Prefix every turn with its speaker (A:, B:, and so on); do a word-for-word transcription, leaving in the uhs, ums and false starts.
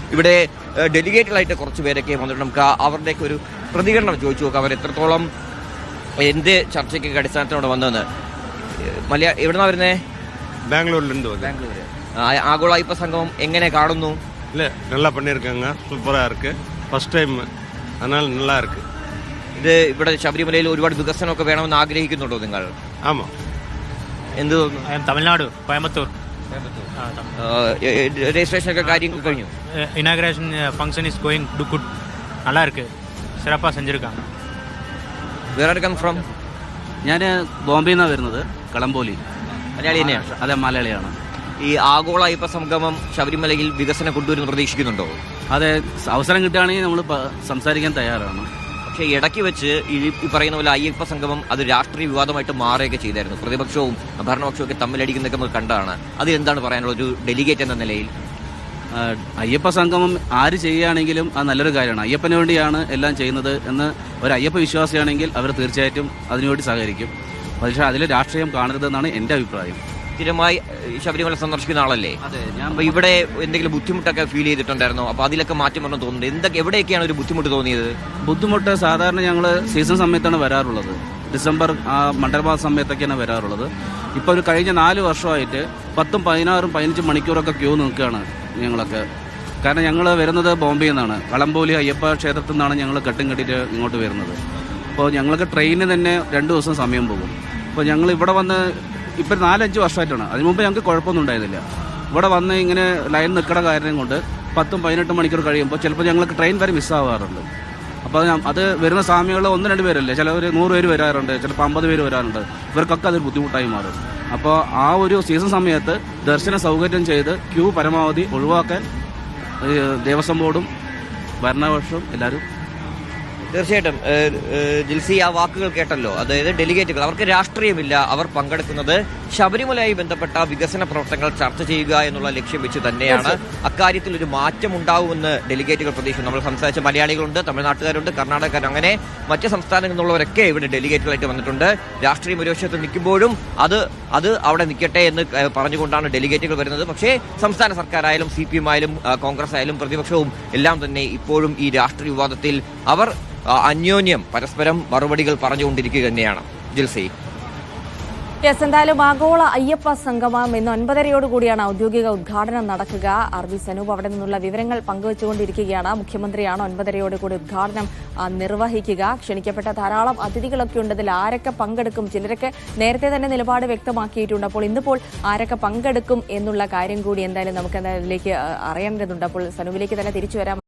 A: ഇവിടെ ഡെലിഗേറ്റുകളായിട്ട് കുറച്ച് പേരൊക്കെ വന്നിട്ട് നമുക്ക് അവരുടെയൊക്കെ ഒരു പ്രതികരണം ചോദിച്ചു നോക്കാം. അവർ എത്രത്തോളം എന്ത് ചർച്ചയ്ക്കൊക്കെ അടിസ്ഥാനത്തിലൂടെ വന്നതെന്ന്. മലയാ എവിടുന്നാ വരുന്നേ?
B: பெங்களூர்லேருந்து
A: ബാംഗ്ലൂർ. ആഗോള അയ്യപ്പ സംഗമം എങ്ങനെ കാണുന്നു?
B: இல்லை நல்லா பண்ணியிருக்காங்க, சூப்பராக இருக்குது, ஃபஸ்ட் டைம், அதனால் நல்லா இருக்குது.
A: ഇത് ഇവിടെ ശബരിമലയിൽ ഒരുപാട് വികസനമൊക്കെ വേണമെന്ന് ആഗ്രഹിക്കുന്നുണ്ടോ നിങ്ങൾ?
B: ആമാം.
A: എന്ത് തോന്നുന്നു?
C: തമിഴ്നാട്, കോയമ്പത്തൂർ.
A: രജിസ്ട്രേഷൻ ഒക്കെ കാര്യങ്ങൾ കഴിഞ്ഞു.
C: Inauguration function is going to good, நல்லா இருக்கு, சிறப்பாக செஞ்சிருக்காங்க.
A: Where are come from?
D: ഞാൻ ബോംബെയിൽ നിന്നാണ് വരുന്നത്, കളംബോലി.
A: മലയാളി തന്നെയാണ്?
D: അതെ, മലയാളിയാണ്.
A: ഈ ആഗോള അയ്യപ്പ സംഗമം ശബരിമലയിൽ വികസനം കൊണ്ടുവരുന്ന പ്രതീക്ഷിക്കുന്നുണ്ടോ?
D: അതെ, അവസരം കിട്ടുകയാണെങ്കിൽ നമ്മൾ സംസാരിക്കാൻ തയ്യാറാണ്.
A: പക്ഷേ ഇടയ്ക്ക് വെച്ച് ഈ ഈ പറയുന്ന പോലെ അയ്യപ്പ സംഗമം അത് രാഷ്ട്രീയ വിവാദമായിട്ട് മാറുകയൊക്കെ ചെയ്തായിരുന്നു. പ്രതിപക്ഷവും ഭരണപക്ഷവും ഒക്കെ തമ്മിലടിക്കുന്നതൊക്കെ നമുക്ക് കണ്ടതാണ്. അതിലെന്താണ് പറയാനുള്ള ഒരു ഡെലിഗേറ്റ് എന്ന നിലയിൽ?
D: അയ്യപ്പ സംഗമം ആര് ചെയ്യുകയാണെങ്കിലും അത് നല്ലൊരു കാര്യമാണ്. അയ്യപ്പന് വേണ്ടിയാണ് എല്ലാം ചെയ്യുന്നത് എന്ന് ഒരു അയ്യപ്പ വിശ്വാസിയാണെങ്കിൽ അവർ തീർച്ചയായിട്ടും അതിനുവേണ്ടി സഹകരിക്കും. പക്ഷേ അതിൽ രാഷ്ട്രീയം കാണരുതെന്നാണ് എൻ്റെ അഭിപ്രായം.
A: സ്ഥിരമായി ശബരിമല സന്ദർശിക്കുന്ന ആളല്ലേ?
D: അതെ, ഞാൻ
A: അപ്പോൾ ഇവിടെ എന്തെങ്കിലും ബുദ്ധിമുട്ടൊക്കെ ഫീൽ ചെയ്തിട്ടുണ്ടായിരുന്നോ? അപ്പോൾ അതിലൊക്കെ മാറ്റം വരണം തോന്നുന്നുണ്ട്. എന്തൊക്കെ എവിടെയൊക്കെയാണ് ഒരു ബുദ്ധിമുട്ട് തോന്നിയത്?
D: ബുദ്ധിമുട്ട് സാധാരണ ഞങ്ങൾ സീസൺ സമയത്താണ് വരാറുള്ളത്. ഡിസംബർ ആ മണ്ഡലമാസ സമയത്തൊക്കെയാണ് വരാറുള്ളത്. ഇപ്പോൾ ഒരു കഴിഞ്ഞ നാല് വർഷമായിട്ട് പത്തും പതിനാറും പതിനഞ്ചും മണിക്കൂറൊക്കെ ക്യൂ നിൽക്കുകയാണ് ഞങ്ങളൊക്കെ. കാരണം ഞങ്ങൾ വരുന്നത് ബോംബെയിൽ നിന്നാണ്, കളംബോലി അയ്യപ്പ ക്ഷേത്രത്തിൽ നിന്നാണ് ഞങ്ങൾ കെട്ടും കെട്ടിയിട്ട് ഇങ്ങോട്ട് വരുന്നത്. അപ്പോൾ ഞങ്ങൾക്ക് ട്രെയിനിന് തന്നെ രണ്ട് ദിവസം സമയം പോകും. അപ്പോൾ ഞങ്ങൾ ഇവിടെ വന്ന് ഇപ്പം നാലഞ്ച് വർഷമായിട്ടാണ്, അതിന് മുമ്പ് ഞങ്ങൾക്ക് കുഴപ്പമൊന്നും ഉണ്ടായിരുന്നില്ല. ഇവിടെ വന്ന് ഇങ്ങനെ ലൈൻ നിൽക്കുന്ന കാര്യം കൊണ്ട് പത്തും പതിനെട്ടും മണിക്കൂർ കഴിയുമ്പോൾ ചിലപ്പോൾ ഞങ്ങൾക്ക് ട്രെയിൻ വരെ മിസ്സാവാറുണ്ട്. അപ്പോൾ അത് വരുന്ന സ്വാമികൾ ഒന്ന് രണ്ട് പേരല്ലേ, ചിലവർ നൂറ് പേര് വരാറുണ്ട്, ചിലപ്പോൾ അമ്പത് പേര് വരാറുണ്ട്. ഇവർക്കൊക്കെ അതൊരു ബുദ്ധിമുട്ടായി മാറും. അപ്പോൾ ആ ഒരു സീസൺ സമയത്ത് ദർശന സൗകര്യം ചെയ്ത് ക്യൂ പരമാവധി ഒഴിവാക്കാൻ ദേവസ്വം ബോർഡും ഭരണപക്ഷവും എല്ലാവരും.
A: തീർച്ചയായിട്ടും ജിൽസി, ആ വാക്കുകൾ കേട്ടല്ലോ. അതായത് ഡെലിഗേറ്റുകൾ, അവർക്ക് രാഷ്ട്രീയമില്ല, അവർ പങ്കെടുക്കുന്നത് ശബരിമലയുമായി ബന്ധപ്പെട്ട വികസന പ്രവർത്തനങ്ങൾ ചർച്ച ചെയ്യുക എന്നുള്ള ലക്ഷ്യം വെച്ച് തന്നെയാണ്. അക്കാര്യത്തിൽ ഒരു മാറ്റം ഉണ്ടാവുമെന്ന് ഡെലിഗേറ്റുകൾ പ്രതീക്ഷിക്കുന്നു. നമ്മൾ സംസാരിച്ച മലയാളികളുണ്ട്, തമിഴ്നാട്ടുകാരുണ്ട്, കർണാടകക്കാർ, അങ്ങനെ മറ്റ് സംസ്ഥാനങ്ങളിൽ നിന്നുള്ളവരൊക്കെ ഇവിടെ ഡെലിഗേറ്റുകളായിട്ട് വന്നിട്ടുണ്ട്. രാഷ്ട്രീയം ഒരു വശത്ത് നിൽക്കുമ്പോഴും അത് അത് അവിടെ നിൽക്കട്ടെ എന്ന് പറഞ്ഞുകൊണ്ടാണ് ഡെലിഗേറ്റുകൾ വരുന്നത്. പക്ഷേ സംസ്ഥാന സർക്കാരായാലും സി പി എം ആയാലും കോൺഗ്രസ് ആയാലും പ്രതിപക്ഷവും എല്ലാം തന്നെ ഇപ്പോഴും ഈ രാഷ്ട്രീയ വിവാദത്തിൽ അവർ അന്യോന്യം പരസ്പരം മറുപടികൾ പറഞ്ഞുകൊണ്ടിരിക്കുക തന്നെയാണ്. ജിൽസി,
E: യെസ്, എന്തായാലും ആഗോള അയ്യപ്പ സംഗമം ഇന്ന് ഒൻപതരയോടുകൂടിയാണ് ഔദ്യോഗിക ഉദ്ഘാടനം നടക്കുക. ആർ ബി സനൂപ് അവിടെ നിന്നുള്ള വിവരങ്ങൾ പങ്കുവച്ചുകൊണ്ടിരിക്കുകയാണ്. മുഖ്യമന്ത്രിയാണ് ഒൻപതരയോടുകൂടി ഉദ്ഘാടനം നിർവഹിക്കുക. ക്ഷണിക്കപ്പെട്ട ധാരാളം അതിഥികളൊക്കെ ഉണ്ട്. ഇതിൽ ആരൊക്കെ പങ്കെടുക്കും? ചിലരൊക്കെ നേരത്തെ തന്നെ നിലപാട് വ്യക്തമാക്കിയിട്ടുണ്ട്. അപ്പോൾ ഇന്നിപ്പോൾ ആരൊക്കെ പങ്കെടുക്കും എന്നുള്ള കാര്യം കൂടി എന്തായാലും നമുക്ക് അതിലേക്ക് അറിയേണ്ടതുണ്ട്. അപ്പോൾ സനൂപിലേക്ക് തന്നെ തിരിച്ചു വരാം.